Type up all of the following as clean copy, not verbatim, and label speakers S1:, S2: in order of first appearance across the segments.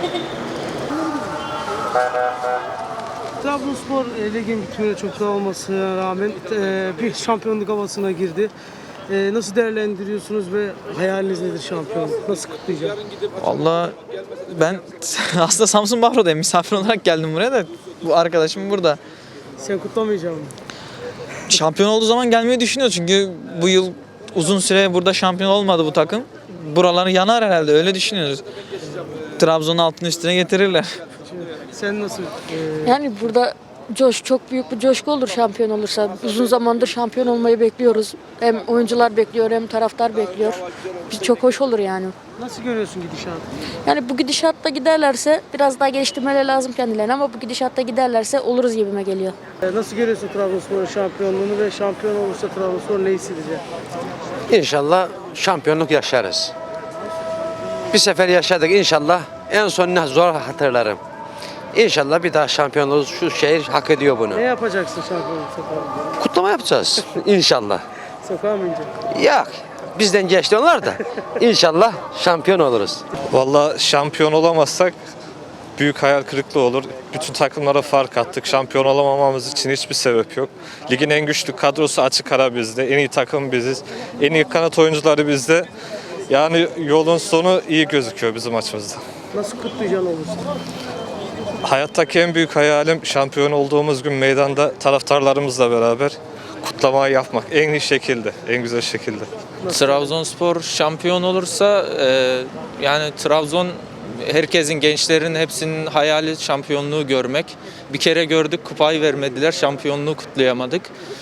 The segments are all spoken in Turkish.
S1: Trabzonspor ligin bitmeye çok daha olmasına rağmen bir şampiyonluk havasına girdi. Nasıl değerlendiriyorsunuz ve hayaliniz nedir şampiyonluk? Nasıl kutlayacak?
S2: Vallahi ben aslında Samsun Bahro'dayım. Misafir olarak geldim buraya da. Bu arkadaşım burada.
S1: Sen kutlamayacaksın mı?
S2: Şampiyon olduğu zaman gelmeyi düşünüyor. Çünkü bu yıl uzun süre burada şampiyon olmadı bu takım. Buraları yanar herhalde. Öyle düşünüyoruz. Trabzon'un altını üstüne getirirler.
S1: Sen nasıl?
S3: Yani burada çok büyük bir coşku olur şampiyon olursa. Uzun zamandır şampiyon olmayı bekliyoruz. Hem oyuncular bekliyor hem taraftar bekliyor. Biz çok hoş olur yani.
S1: Nasıl görüyorsun gidişatı?
S3: Yani bu gidişatta giderlerse biraz daha geliştirmeleri lazım kendilerine ama bu gidişatta giderlerse oluruz gibime geliyor.
S1: Nasıl görüyorsun Trabzonspor'un şampiyonluğunu ve şampiyon olursa Trabzonspor ne hissedecek?
S4: İnşallah şampiyonluk yaşarız. Bir sefer yaşadık inşallah. En son ne zor hatırlarım. İnşallah bir daha şampiyon oluruz. Şu şehir hak ediyor bunu.
S1: Ne yapacaksın şampiyonluk sefer?
S4: Kutlama yapacağız inşallah.
S1: Sokağa mı ineceksin?
S4: Yok. Bizden geçti onlar da. İnşallah şampiyon oluruz.
S5: Vallahi şampiyon olamazsak büyük hayal kırıklığı olur. Bütün takımlara fark attık. Şampiyon olamamamız için hiçbir sebep yok. Ligin en güçlü kadrosu açık ara bizde. En iyi takım biziz. En iyi kanat oyuncuları bizde. Yani yolun sonu iyi gözüküyor bizim açımızda.
S1: Nasıl kutlayacaksın olursa?
S5: Hayattaki en büyük hayalim şampiyon olduğumuz gün meydanda taraftarlarımızla beraber kutlamayı yapmak. En iyi şekilde, en güzel şekilde.
S2: Trabzonspor şampiyon olursa yani Trabzon herkesin, gençlerin hepsinin hayali şampiyonluğu görmek. Bir kere gördük, kupayı vermediler, şampiyonluğu kutlayamadık.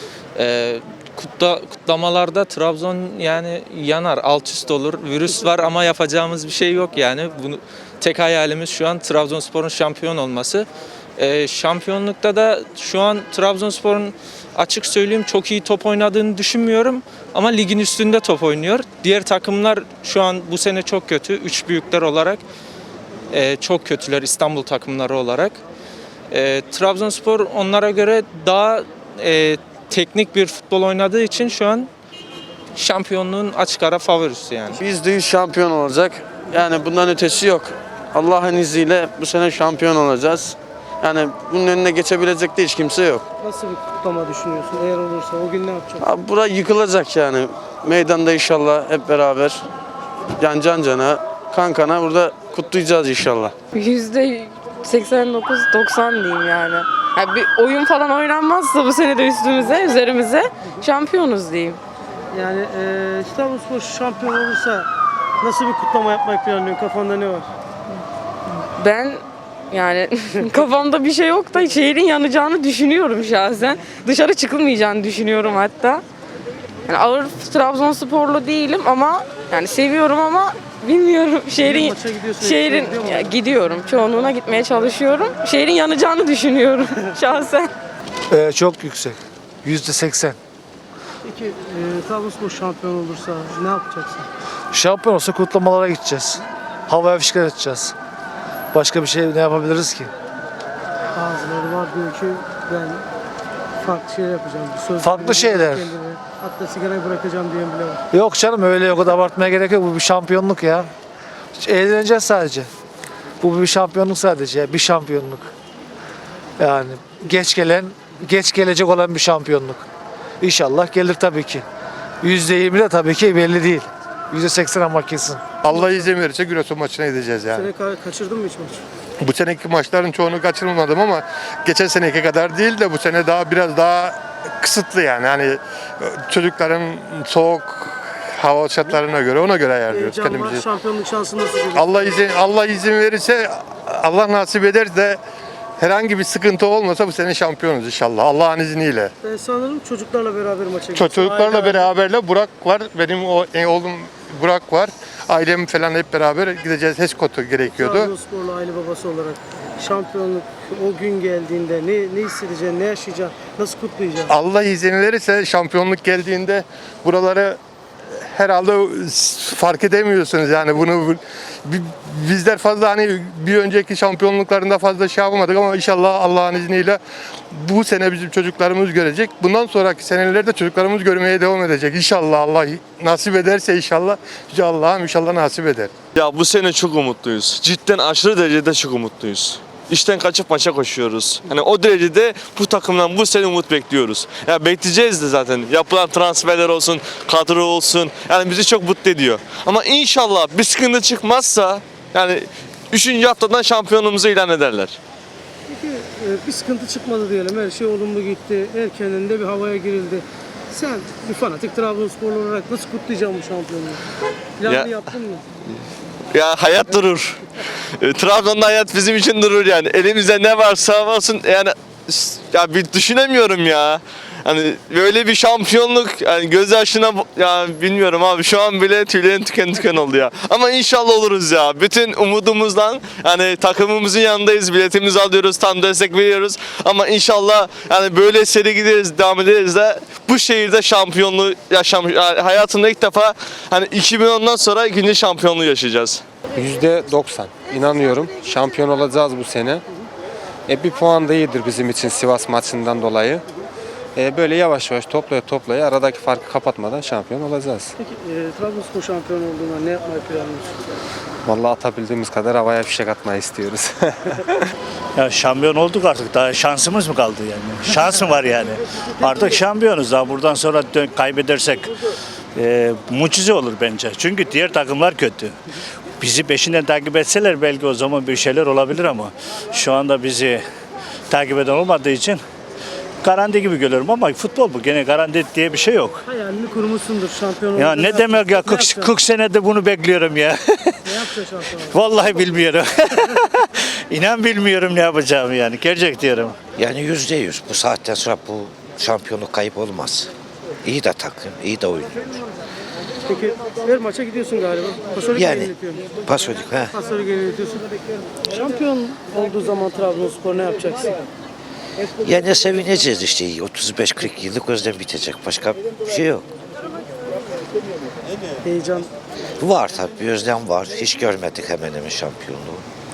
S2: Kutlamalarda Trabzon yani yanar, alt üst olur. Virüs var ama yapacağımız bir şey yok yani. Bunu tek hayalimiz şu an Trabzonspor'un şampiyon olması. Şampiyonlukta da şu an Trabzonspor'un açık söyleyeyim çok iyi top oynadığını düşünmüyorum ama ligin üstünde top oynuyor. Diğer takımlar şu an bu sene çok kötü. Üç büyükler olarak çok kötüler İstanbul takımları olarak. Trabzonspor onlara göre daha teknik bir futbol oynadığı için şu an şampiyonluğun açık ara favorisi yani.
S6: %100 şampiyon olacak. Yani bundan ötesi yok. Allah'ın izniyle bu sene şampiyon olacağız. Yani bunun önüne geçebilecek de hiç kimse yok.
S1: Nasıl bir kutlama düşünüyorsun? Eğer olursa o gün ne yapacaksın?
S6: Abi bura yıkılacak yani. Meydanda inşallah hep beraber can cana, kan kana burada kutlayacağız inşallah.
S7: %89-90 diyeyim yani. Yani bir oyun falan oynanmazsa bu sene de üzerimize şampiyonuz diyeyim.
S1: Yani Trabzonspor şampiyon olursa nasıl bir kutlama yapmak planlıyorsun? Kafanda ne var?
S7: Ben yani kafamda bir şey yok da şehrin yanacağını düşünüyorum şahsen. Dışarı çıkılmayacağını düşünüyorum hatta. Yani ağır Trabzonsporlu değilim ama yani seviyorum ama bilmiyorum
S1: Maça gidiyorsun,
S7: şehrin
S1: gidiyor mu?
S7: ya, gidiyorum. Çoğunluğuna gitmeye çalışıyorum. Şehrin yanacağını düşünüyorum şahsen.
S8: Çok yüksek. %80.
S1: Peki Trabzonspor şampiyon olursa ne yapacaksın?
S8: Şampiyon olsa kutlamalara gideceğiz. Havaya fişkler atacağız. Başka bir şey ne yapabiliriz ki?
S1: Bazıları var diyor ki ben farklı şeyler yapacağım. Söz
S8: Farklı
S1: veriyorum
S8: şeyler.
S1: kendime. Hatta sigarayı bırakacağım diyen bile var.
S8: Yok canım öyle o kadar abartmaya gerek yok. Bu bir şampiyonluk ya. Eğleneceğiz sadece. Bu bir şampiyonluk sadece. Bir şampiyonluk. Yani geç gelecek olan bir şampiyonluk. İnşallah gelir tabii ki. %20 de tabii ki belli değil. %80 ama kesin.
S9: Allah izin verirse Giresun maçına gideceğiz yani.
S1: Sene kaçırdın mı hiç maç?
S9: Bu seneki maçların çoğunu kaçırmadım ama geçen seneki kadar değil de bu sene biraz daha kısıtlı yani. Hani çocukların soğuk hava şartlarına göre ona göre ayarlıyoruz
S1: Heyecan var,
S9: kendimizi.
S1: şampiyonluk şansı nasıl görüyorsun?
S9: Allah izin verirse Allah nasip eder de herhangi bir sıkıntı olmasa bu sene şampiyonuz inşallah. Allah'ın izniyle.
S1: Ben sanırım çocuklarla beraber maça gidiyorsun.
S9: Çocuklarla
S1: Aile-
S9: beraberle Burak var. Benim oğlum Burak var. Ailem falan hep beraber gideceğiz. HESKOT'u gerekiyordu.
S1: Trabzonsporlu aile babası olarak şampiyonluk o gün geldiğinde ne hissedeceksin, ne yaşayacaksın, nasıl kutlayacaksın?
S9: Allah izin verirse şampiyonluk geldiğinde buraları herhalde fark edemiyorsunuz yani bunu bizler fazla hani bir önceki şampiyonluklarında fazla şey yapamadık ama inşallah Allah'ın izniyle bu sene bizim çocuklarımız görecek. Bundan sonraki senelerde çocuklarımız görmeye devam edecek. İnşallah Allah nasip ederse inşallah Yüce Allah'ım inşallah nasip eder.
S10: Ya bu sene çok umutluyuz. Cidden aşırı derecede çok umutluyuz. İşten kaçıp maça koşuyoruz. Hani o derecede bu takımdan bu sene umut bekliyoruz. Ya bekleyeceğiz de zaten. Yapılan transferler olsun, kadro olsun. Yani bizi çok mutlu ediyor. Ama inşallah bir sıkıntı çıkmazsa yani 3. haftadan şampiyonumuzu ilan ederler.
S1: Peki bir sıkıntı çıkmadı diyelim. Her şey olumlu gitti. Erkenden de bir havaya girildi. Sen bir fanatik Trabzonsporlu olarak nasıl kutlayacaksın bu şampiyonluğu? Planını
S10: Ya-
S1: yaptın mı?
S10: Ya hayat durur. Trabzon'da hayat bizim için durur yani. Elimizde ne varsa olsun yani ya bir düşünemiyorum ya. Hani böyle bir şampiyonluk yani göz yaşına ya bilmiyorum abi şu an bile tüylerim tüken oldu ya. Ama inşallah oluruz ya. Bütün umudumuzdan yani takımımızın yanındayız. Biletimizi alıyoruz, tam destek veriyoruz. Ama yani böyle seri gideriz, devam ederiz de bu şehirde şampiyonluğu yaşamış. Yani hayatımda ilk defa hani 2010'dan sonra ikinci şampiyonluğu yaşayacağız.
S11: %90 inanıyorum. Şampiyon olacağız bu sene. Bir puan da iyidir bizim için Sivas maçından dolayı. Böyle yavaş yavaş toplaya aradaki farkı kapatmadan şampiyon olacağız.
S1: Peki Trabzonspor şampiyon olduğunda ne yapmayı planlıyorsun?
S11: Vallahi atabildiğimiz kadar havaya fişek atmayı istiyoruz.
S12: Ya şampiyon olduk artık. Daha şansımız mı kaldı yani? Şans mı var yani? Artık şampiyonuz. Daha buradan sonra kaybedersek mucize olur bence. Çünkü diğer takımlar kötü. Bizi peşinden takip etseler belki o zaman bir şeyler olabilir ama şu anda bizi takip eden olmadığı için garanti gibi görüyorum ama futbol bu. Gene garanti diye bir şey yok.
S1: Hayalini kurmuşsundur şampiyon
S12: Ya
S1: olunca
S12: ne demek ya? 40 senedir bunu bekliyorum ya.
S1: Ne yapacaksın şampiyon?
S12: Vallahi bilmiyorum. İnan bilmiyorum ne yapacağımı yani. Gerçek diyorum.
S13: Yani %100 bu saatten sonra bu şampiyonluk kayıp olmaz. İyi de takım, iyi de oyun.
S1: Peki her maça gidiyorsun galiba. Pasolik
S13: Yani.
S1: yeniletiyorsun.
S13: Pasolik ha.
S1: Pasolik yeniletiyorsun. Şampiyon olduğu zaman Trabzonspor ne yapacaksın?
S13: Yani sevineceğiz işte 35-40 yıllık özlem bitecek. Başka bir şey yok.
S1: Heyecan.
S13: Var tabii bir özlem var. Hiç görmedik hemen hemen şampiyonluğu.